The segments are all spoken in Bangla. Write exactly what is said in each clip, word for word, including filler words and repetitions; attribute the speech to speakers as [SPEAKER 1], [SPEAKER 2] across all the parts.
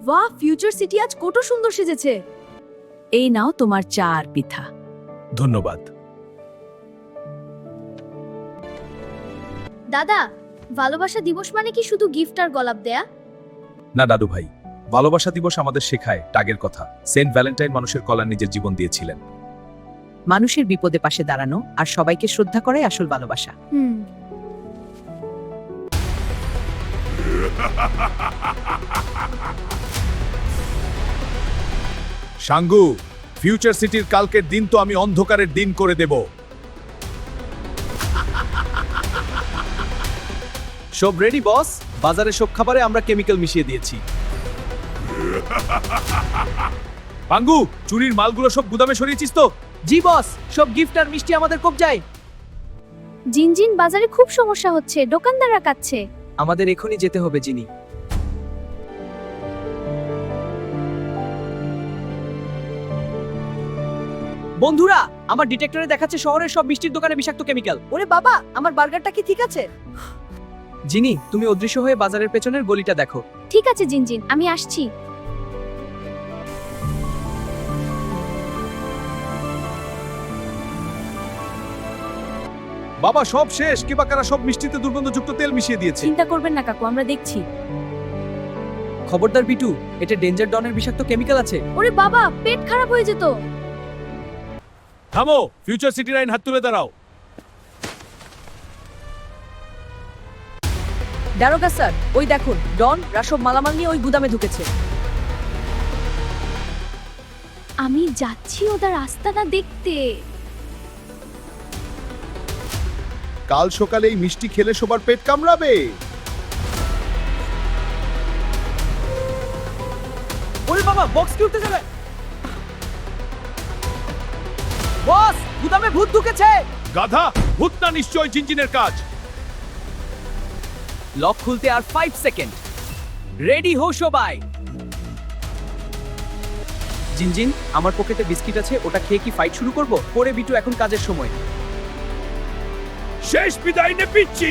[SPEAKER 1] বাহ, ফিউচার সিটি আজ কত সুন্দর সেজেছে। এই নাও তোমার চা আর পিঠা।
[SPEAKER 2] ধন্যবাদ।
[SPEAKER 3] দাদা, ভালোবাসা দিবস মানে কি শুধু গিফট আর গোলাপ দেয়া?
[SPEAKER 2] না দাদু ভাই, ভালোবাসা দিবস আমাদের শেখায় টাগের কথা। সেন্ট ভ্যালেন্টাইন মানুষের কল্যাণ নিজের জীবন দিয়েছিলেন।
[SPEAKER 1] মানুষের বিপদে পাশে দাঁড়ানো আর সবাইকে শ্রদ্ধা করাই আসল ভালোবাসা।
[SPEAKER 3] হুম।
[SPEAKER 2] সাঙ্গু, ফিউচার সিটির কালকের দিন তো আমি অন্ধকারের দিন করে দেব।
[SPEAKER 4] সব রেডি বস, বাজারে সব খাবারে আমরা কেমিক্যাল মিশিয়ে দিয়েছি।
[SPEAKER 2] পাঙ্গু, চুরির মালগুলো সব গুদামে সরিয়েছিস তো?
[SPEAKER 4] জি বস, সব গিফট আর মিষ্টি আমাদের কবজায়।
[SPEAKER 3] জিনজিন, বাজারে খুব সমস্যা হচ্ছে, দোকানদাররা কাচ্ছে।
[SPEAKER 4] আমাদের এখনই যেতে হবে জিনি। বন্ধুরা, আমার ডিটেক্টরে দেখাচ্ছে শহরের সব মিষ্টির দোকানে বিষাক্ত কেমিক্যাল।
[SPEAKER 1] ওরে বাবা, আমার বার্গারটা কি ঠিক আছে?
[SPEAKER 4] জিনি, তুমি অদৃশ্য হয়ে বাজারের পেছনের গলিটা দেখো।
[SPEAKER 3] ঠিক আছে জিনজিন, আমি আসছি।
[SPEAKER 2] বাবা, সব শেষ। কে বা কারা সব মিষ্টিতে দুর্গন্ধযুক্ত তেল মিশিয়ে দিয়েছে।
[SPEAKER 1] চিন্তা করবেন না কাকু, আমরা দেখছি।
[SPEAKER 4] খবরদার বিটু, এটা ডেঞ্জার ডনের বিষাক্ত কেমিক্যাল আছে।
[SPEAKER 3] ওরে বাবা, পেট খারাপ হয়ে যেত।
[SPEAKER 2] থামো, ফিউচার সিটি লাইন হাত তুলে দাঁড়াও।
[SPEAKER 1] দারোগা স্যার, ওই দেখুন, ডন রাসব মালামাল নিয়ে ওই গুদামে ঢুকেছে।
[SPEAKER 3] আমি যাচ্ছি ওদের আস্তানা দেখতে।
[SPEAKER 2] কাল সকালে এই মিষ্টি খেলে সবার পেট কামড়াবে।
[SPEAKER 4] ওরে বাবা, বক্স কি উঠতে যাবে? বস, গুদামে ভূত ঢুকেছে।
[SPEAKER 2] গাধা, ভূত না নিশ্চয় জিনজিনের কাজ।
[SPEAKER 4] লক খুলতে আর পাঁচ সেকেন্ড। রেডি হও সবাই। জিনজিন, আমার পকেটে বিস্কিট আছে, ওটা খেয়ে কি ফাইট শুরু করব? পরে বিটু, এখন কাজের সময়।
[SPEAKER 2] শেষ বিদায় নে পিচ্ছি।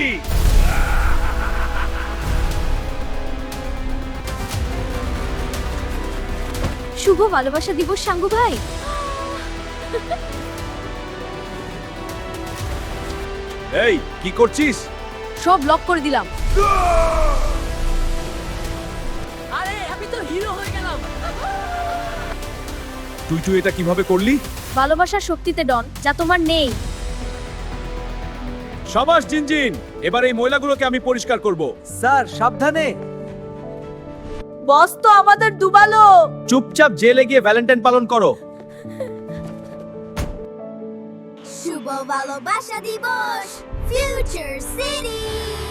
[SPEAKER 3] শুভ ভালোবাসা দিবস সাঙ্গু ভাই।
[SPEAKER 2] এই, কি করছিস?
[SPEAKER 1] সব লক করে দিলাম। আরে আমি তো হিরো হয়ে গেলাম।
[SPEAKER 2] তুই তুই এটা কিভাবে করলি?
[SPEAKER 3] ভালোবাসার শক্তিতে ডন, যা তোমার নেই।
[SPEAKER 2] সাবাস জিনজিন, এবার এই ময়লাগুলোকে আমি পরিষ্কার করব।
[SPEAKER 4] স্যার সাবধানে।
[SPEAKER 1] বস তো আমাদের ডুবালো।
[SPEAKER 4] চুপচাপ জেলে গিয়ে ভ্যালেন্টাইন পালন করো।
[SPEAKER 5] শুভ ভালোবাসা দিবস ফিউচার সিটি।